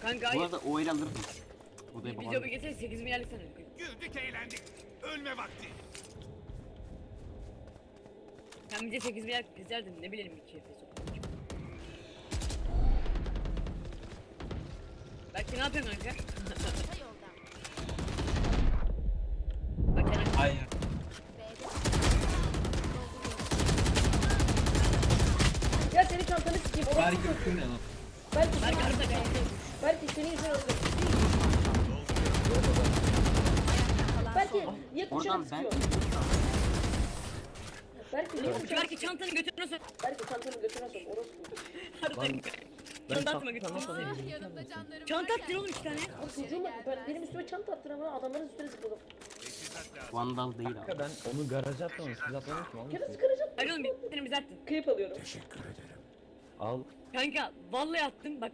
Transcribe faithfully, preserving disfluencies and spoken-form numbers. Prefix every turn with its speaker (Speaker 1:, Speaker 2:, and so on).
Speaker 1: Kanka
Speaker 2: Bu
Speaker 1: hayır.
Speaker 2: arada o el alırdım. Bu da
Speaker 1: Bir
Speaker 2: yapamam.
Speaker 1: jobu geçsene sekiz milyarlık sana.
Speaker 3: Güldük eğlendik. Ölme vakti.
Speaker 1: Sen bize sekiz milyar kızardın ne bileyim iki F S. Belki ne yapıyorsun kanka?
Speaker 4: Orta yolda.
Speaker 1: Bak Kenan.
Speaker 5: Hayır.
Speaker 4: B'de.
Speaker 6: Ya senin çantanı sikeyim. Orası
Speaker 5: Belki öpüyor ne lan?
Speaker 6: Belki
Speaker 1: Belki arada kanka.
Speaker 6: belki senin yüzünden öldüm. Belki niye kuşanı
Speaker 2: Oradan ben...
Speaker 6: sıkıyor? Belki niye kuşanı
Speaker 1: Belki çantanı götürüne sok.
Speaker 6: Belki çantanı götüne sok. Orası
Speaker 1: Harbiden. Çanta atma götürüne sok.
Speaker 4: Ah, yanımda canlarım
Speaker 1: Çanta
Speaker 4: varken
Speaker 1: attın oğlum iki tane.
Speaker 6: Abi çocuğum ben, benim üstüme çanta attın ama adamların üstüne zıpladım.
Speaker 3: Teçhizat lazım.
Speaker 2: Vandal değil abi.
Speaker 7: Kanka ben onu garaja atmadım. Siz atmamıştım oğlum.
Speaker 6: Kere sıkıracağım.
Speaker 1: Hadi oğlum bir tane bize attın.
Speaker 6: Kıyıp alıyorum.
Speaker 7: Al.
Speaker 1: Kanka vallahi attım bak